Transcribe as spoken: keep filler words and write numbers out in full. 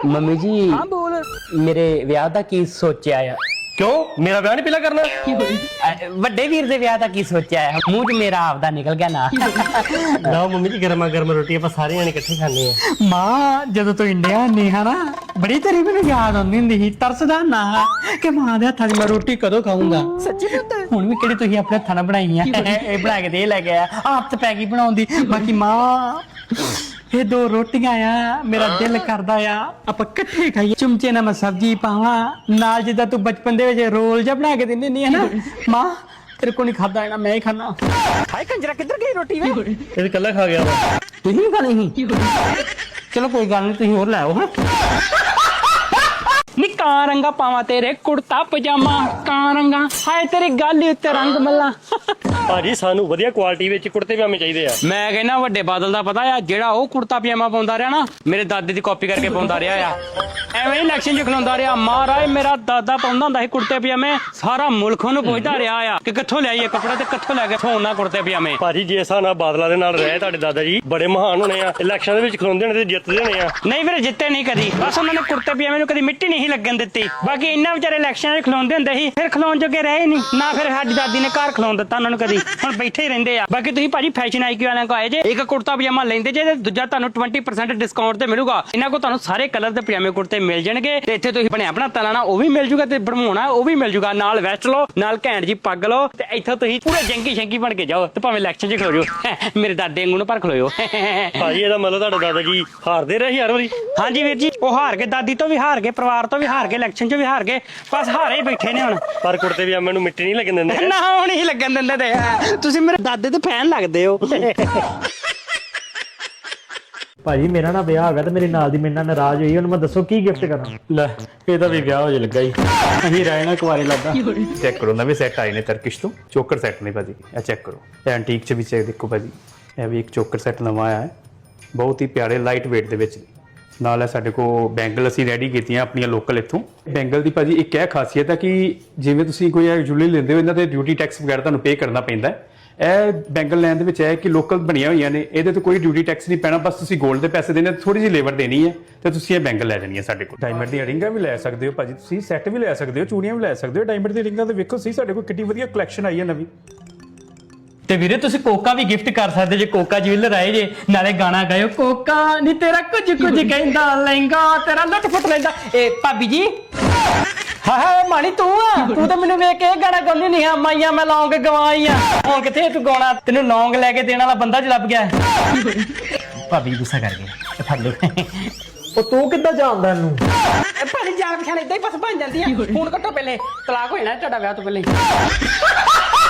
Mummy ਜੀ ਹਾਂ ਬੋਲ। ਮੇਰੇ ਵਿਆਹ ਦਾ ਕੀ ਸੋਚਿਆ ਆ? ਕਿਉਂ ਮੇਰਾ ਵਿਆਹ ਨਹੀਂ ਪਹਿਲਾਂ ਕਰਨਾ? ਅ, ਵੱਡੇ ਵੀਰ ਦੇ ਵਿਆਹ ਦਾ ਕੀ ਸੋਚਿਆ ਹੈ? ਮੂੰਹ 'ਚ ਮੇਰਾ ਆਪਦਾ ਨਿਕਲ ਗਿਆ ਨਾ। ਲਓ ਮੰਮੀ ਜੀ ਗਰਮਾ ਗਰਮ ਰੋਟੀ ਆਪਾਂ ਸਾਰੇ ਜਣੇ ਇਕੱਠੇ ਖਾਂਦੇ ਆ। ਮਾਂ ਜਦੋਂ ਤੂੰ ਇੰਡੀਆ ਆਉਂਦੀ ਹੈ ਨਾ ਬੜੀ ਤੇਰੀ ਮੈਨੂੰ ਯਾਦ ਆਉਂਦੀ ਹੁੰਦੀ ਸੀ, ਤਰਸਦਾ ਨਾ ਕਿ ਮਾਂ ਦੇ ਹੱਥਾਂ ਦੀ ਮੈਂ ਰੋਟੀ ਕਦੋਂ ਖਾਊਂਗਾ। ਸੱਚੀ ਪੁੱਤ ਹੁਣ ਵੀ ਕਿਹੜੀ ਤੁਸੀਂ ਆਪਣੇ ਹੱਥਾਂ ਨਾਲ ਬਣਾਈ ਆ? ਇਹ ਬਣਾ ਕੇ ਦੇ ਲੈ ਗਿਆ ਆਪ ਪੈ ਗਈ ਬਣਾਉਂਦੀ। ਬਾਕੀ ਮਾਂ ਇਹ ਦੋ ਰੋਟੀਆਂ ਆ ਮੇਰਾ ਦਿਲ ਕਰਦਾ ਆ ਆਪਾਂ ਇਕੱਠੇ ਖਾਈਏ, ਚਮਚੇ ਨਾਲ ਮੈਂ ਸਬਜ਼ੀ ਪਾਵਾਂ ਨਾਲ, ਜਿੱਦਾਂ ਤੂੰ ਬਚਪਨ ਦੇ ਵਿੱਚ ਰੋਲ ਜਿਹਾ ਬਣਾ ਕੇ ਦਿੰਦੀ ਨਹੀਂ ਹੈ ਨਾ ਮਾਂ, ਤੇਰੇ ਕੋਲ ਨਹੀਂ ਖਾਦਾ ਜਾਣਾ, ਮੈਂ ਹੀ ਖਾਣਾ। ਹਾਏ ਕੰਜਰਾ ਕਿੱਧਰ ਗਈ ਰੋਟੀ ਵੇ? ਇਹ ਇਕੱਲਾ ਖਾ ਗਿਆ ਵਾ। ਤੁਸੀਂ ਵੀ ਖਾਣੀ ਸੀ? ਚਲੋ ਕੋਈ ਗੱਲ ਨਹੀਂ, ਤੁਸੀਂ ਹੋਰ ਲੈ ਆਓ। ਹਾਂ ਨੀ ਕਾਂ ਰੰਗਾ ਪਾਵਾਂ ਤੇਰੇ ਕੁੜਤਾ ਪਜਾਮਾ, ਕਾਂ ਰੰਗਾ ਹਾਏ ਤੇਰੀ ਗੱਲ ਹੀ ਉੱਤੇ ਰੰਗ ਮੱਲਾ। ਭਾਜੀ ਸਾਨੂੰ ਵਧੀਆ ਕੁਆਲਿਟੀ ਵਿੱਚ ਕੁੜਤੇ ਪਜਾਮੇ ਚਾਹੀਦੇ ਆ। ਮੈਂ ਕਹਿੰਦਾ ਵੱਡੇ ਬਾਦਲ ਦਾ ਪਤਾ ਆ, ਜਿਹੜਾ ਉਹ ਕੁੜਤਾ ਪਜਾਮਾ ਪਾਉਂਦਾ ਰਿਹਾ ਨਾ ਮੇਰੇ ਦਾਦੇ ਦੀ ਕਾਪੀ ਕਰਕੇ ਪਾਉਂਦਾ ਰਿਹਾ ਆ, ਐਵੇਂ ਹੀ ਇਲੈਕਸ਼ਨ 'ਚ ਖਲੋਂਦਾ ਰਿਹਾ। ਮਹਾਰਾਜ ਮੇਰਾ ਦਾਦਾ ਪਾਉਂਦਾ ਹੁੰਦਾ ਸੀ ਕੁੜਤੇ ਪਜਾਮੇ, ਸਾਰਾ ਮੁਲਕ ਉਹਨੂੰ ਪੁੱਛਦਾ ਰਿਹਾ ਆ ਕਿ ਕਿੱਥੋਂ ਲਿਆਈਏ ਕੱਪੜਾ ਤੇ ਕਿੱਥੋਂ ਲੈ ਕੇ ਸੋਨਾ ਕੁੜਤੇ ਪਜਾਮੇ। ਭਾਜੀ ਜੇ ਹਿਸਾਬ ਨਾਲ ਬਾਦਲਾਂ ਦੇ ਨਾਲ ਰਹੇ ਤੁਹਾਡੇ ਦਾਦਾ ਜੀ ਬੜੇ ਮਹਾਨ ਹੋਣੇ ਆ, ਇਲੈਕਸ਼ਨ ਦੇ ਵਿੱਚ ਖਲੋਂਦੇ ਹੋਣੇ ਤੇ ਜਿੱਤਦੇ ਹੋਣੇ ਆ। ਨਹੀਂ ਵੀਰੇ ਜਿੱਤੇ ਨਹੀਂ ਕਦੀ, ਬਸ ਉਹਨਾਂ ਨੇ ਕੁੜਤੇ ਪਜਾਮੇ ਨੂੰ ਕਦੀ ਮਿੱਟੀ ਨਹੀਂ ਲੱਗਣ ਦਿੱਤੀ। ਬਾਕੀ ਇੰਨਾ ਵਿਚਾਰੇ ਇਲੈਕਸ਼ਨ 'ਚ ਖਲੋਂਦੇ ਹੁੰਦੇ ਸੀ, ਫਿਰ ਖਲੋਣ ਜੋਗੇ ਰਹੇ ਨਹੀਂ ਨਾ, ਫਿਰ ਸਾਡੀ ਦਾਦੀ ਨੇ ਘਰ ਖਲੋਣ ਦਿੱਤਾ ਉਹਨਾਂ ਨੂੰ ਕਦੀ, ਹੁਣ ਬੈਠੇ ਹੀ ਰਹਿੰਦੇ ਆ। ਬਾਕੀ ਤੁਸੀਂ ਭਾਜੀ ਫੈਸ਼ਨ ਆਈਕਿਊ ਵਾਲਿਆਂ ਕੋ ਆਏ ਜੇ, ਇੱਕ ਕੁੜਤਾ ਪਜਾਮਾ ਲੈਂਦੇ ਜੇ ਤੇ ਦੂਜਾ ਤੁਹਾਨੂੰ ਵੀਹ ਪਰਸੈਂਟ ਡਿਸਕਾਊਂਟ ਤੇ ਮਿਲੂਗਾ। ਇਹਨਾਂ ਕੋ ਤੁਹਾਨੂੰ ਸਾਰੇ ਕਲਰ ਦੇ ਪਜਾਮੇ ਕੁੜਤੇ ਮਿਲ ਜਾਣਗੇ ਤੇ ਇੱਥੇ ਤੁਸੀਂ ਬਣਿਆ ਆਪਣਾ ਤਲਾਣਾ ਉਹ ਵੀ ਮਿਲ ਜੂਗਾ ਤੇ ਬਣਵਾਉਣਾ ਉਹ ਵੀ ਮਿਲ ਜੂਗਾ, ਨਾਲ ਵੈਸਟ ਲਓ ਨਾਲ ਘੈਂਟ ਜੀ ਪੱਗ ਲਓ ਤੇ ਇੱਥੋਂ ਤੁਸੀਂ ਪੂਰੇ ਜੰਗੀ ਸ਼ੰਗੀ ਬਣ ਕੇ ਜਾਓ ਤੇ ਭਾਵੇਂ ਇਲੈਕਸ਼ਨ 'ਚ ਖਲੋ ਜਾਓ। ਮੇਰੇ ਦਾਦੇ ਵਾਂਗੂ ਨੂੰ ਪਰ ਖਲੋਇਓ। ਭਾਜੀ ਇਹਦਾ ਮਤਲਬ ਤੁਹਾਡਾ ਦਾਦਾ ਜੀ ਹਾਰਦੇ ਰਹੇ ਹਰ ਵਾਰੀ? ਹਾਂਜੀ ਵੀਰ ਜੀ, ਉਹ ਹਾਰ ਕੇ ਦਾਦੀ ਤੋਂ ਵੀ ਹਾਰ ਗਏ, ਪਰਿਵਾਰ ਤੋਂ ਵੀ ਹਾਰ ਗਏ, ਇਲੈਕਸ਼ਨ 'ਚ ਵੀ ਹਾਰ ਗਏ, ਬਸ ਹਾਰੇ ਹੀ ਬੈਠੇ ਨੇ ਹੁਣ। ਪਰ ਕੁੜਤੇ ਪਜਾਮੇ ਨੂੰ ਮਿੱਟੀ ਨਹੀਂ ਲੱਗਣ ਦਿੰਦੇ। ਨਾ ਹੁਣ ਹੀ ਲੱਗਣ ਦਿੰਦੇ ਤੇ ਤੁਸੀਂ ਮੇਰੇ ਦਾਦੇ ਦੇ ਫੈਨ ਲੱਗਦੇ ਹੋ। ਭਾਜੀ ਮੇਰਾ ਨਾ ਵਿਆਹ ਹੋ ਗਿਆ ਤੇ ਮੇਰੇ ਨਾਲ ਦੀ ਮੇਰੇ ਨਾਲ ਨਾਰਾਜ਼ ਹੋਈ, ਉਹਨੂੰ ਮੈਂ ਦੱਸੋ ਕੀ ਗਿਫਟ ਕਰਾਂ? ਲੈ ਇਹਦਾ ਵੀ ਵਿਆਹ ਹੋ ਜੇ ਲੱਗਾ ਹੀ, ਅਸੀਂ ਰਹਿ ਨਾ ਕੁਆਰੇ ਲੱਗਾ। ਚੈੱਕ ਕਰੋ ਨਵੇਂ ਸੈੱਟ ਆਏ ਨੇ ਤਰਕਿਸ਼ ਤੋਂ, ਚੋਕਰ ਸੈੱਟ ਨੇ ਭਾਜੀ, ਇਹ ਚੈੱਕ ਕਰੋ। ਇਹ ਐਂਟੀਕ ਚ ਵੀ ਚੈੱਕ ਦੇਖੋ ਭਾਜੀ, ਇਹ ਵੀ ਇੱਕ ਚੋਕਰ ਸੈੱਟ ਨਵਾਂ ਆਇਆ ਹੈ, ਬਹੁਤ ਹੀ ਪਿਆਰੇ ਲਾਈਟ weight ਦੇ ਵਿੱਚ। ਨਾਲ ਹੈ ਸਾਡੇ ਕੋਲ ਬੈਂਗਲ ਅਸੀਂ ਰੈਡੀ ਕੀਤੀਆਂ ਆਪਣੀਆਂ ਲੋਕਲ ਇੱਥੋਂ। ਬੈਂਗਲ ਦੀ ਭਾਜੀ ਇੱਕ ਇਹ ਖਾਸੀਅਤ ਹੈ ਕਿ ਜਿਵੇਂ ਤੁਸੀਂ ਕੋਈ ਜੁਐਲਰੀ ਲੈਂਦੇ ਹੋ ਇਹਨਾਂ ਤੇ ਡਿਊਟੀ ਟੈਕਸ ਵਗੈਰਾ ਤੁਹਾਨੂੰ ਪੇ ਕਰਨਾ ਪੈਂਦਾ ਹੈ। ਇਹ ਬੈਂਗਲ ਲੈਣ ਦੇ ਵਿੱਚ ਹੈ ਕਿ ਲੋਕਲ ਬਣੀਆਂ ਹੋਈਆਂ ਨੇ, ਇਹਦੇ ਤੇ ਕੋਈ ਡਿਊਟੀ ਟੈਕਸ ਨਹੀਂ ਪੈਣਾ, ਬਸ ਤੁਸੀਂ 골ਡ ਦੇ ਪੈਸੇ ਦੇਣੇ, ਥੋੜੀ ਜਿਹੀ ਲੇਬਰ ਦੇਣੀ ਹੈ ਤੇ ਤੁਸੀਂ ਇਹ ਬੈਂਗਲ ਲੈ ਜਾਣੀ ਹੈ ਸਾਡੇ ਕੋਲ। ਡਾਇਮੰਡ ਦੀਆਂ ਰਿੰਗਾਂ ਵੀ ਲੈ ਸਕਦੇ ਹੋ ਭਾਜੀ, ਤੁਸੀਂ ਸੈੱਟ ਵੀ ਲੈ ਸਕਦੇ ਹੋ, ਚੂੜੀਆਂ ਵੀ ਲੈ ਸਕਦੇ ਹੋ। ਡਾਇਮੰਡ ਦੀਆਂ ਰਿੰਗਾਂ ਤੇ ਵੇਖੋ ਸਹੀ ਸਾਡੇ ਕੋਲ ਕਿੰਨੀ ਵਧੀਆ ਕਲੈਕਸ਼ਨ ਆਈ ਹੈ ਨਵੀਂ। ਤੇ ਵੀਰੇ ਤੁਸੀਂ ਕੋਕਾ ਵੀ ਗਿਫਟ ਕਰ ਸਕਦੇ ਜੇ, ਕੋਕਾ ਜੁਐਲਰ ਆਏ ਜੇ, ਨਾਲੇ ਗਾਣਾ ਗਾਇਓ ਕੋਕਾ ਨੀ ਤੇਰਾ ਕੁਝ ਕੁਝ ਕਹਿੰਦਾ ਲਹਿੰਗਾ ਤੇਰਾ ਲੁੱਟ ਫੁੱਟ ਲੈਂਦਾ। ਏ ਭਾਬੀ ਜੀ ਹਾਂ ਹਾਂ ਮਾਣੀ ਤੂੰ ਆ, ਤੂੰ ਤਾਂ ਮੈਨੂੰ ਵੇਖ ਕੇ ਇਹ ਗਾਣਾ ਗਾਉਂਦੀ ਨਹੀਂ ਆ, ਮਾਈਆਂ ਮੈਂ ਲੌਂਗ ਗਵਾਈ ਆ, ਹੁਣ ਕਿੱਥੇ ਤੂੰ ਗਾਉਣਾ, ਤੈਨੂੰ ਲੌਂਗ ਲੈ ਕੇ ਦੇਣ ਵਾਲਾ ਬੰਦਾ ਜ ਲੱਭ ਗਿਆ। ਭਾਬੀ ਗੁੱਸਾ ਕਰ ਗਈ, ਫੜ ਲਓ। ਉਹ ਤੂੰ ਕਿੱਦਾਂ ਜਾਣਦਾ ਇਹਨੂੰ? ਭਾਜੀ ਜਾਣ ਪਛਾਣ ਏਦਾਂ ਹੀ ਬਸ ਬਣ ਜਾਂਦੀ ਆ, ਹੁਣ ਕੱਟੋ ਪਹਿਲੇ ਤਲਾਕ ਹੋ ਜਾਣਾ ਤੁਹਾਡਾ ਵਿਆਹ ਤੋਂ ਪਹਿਲੇ।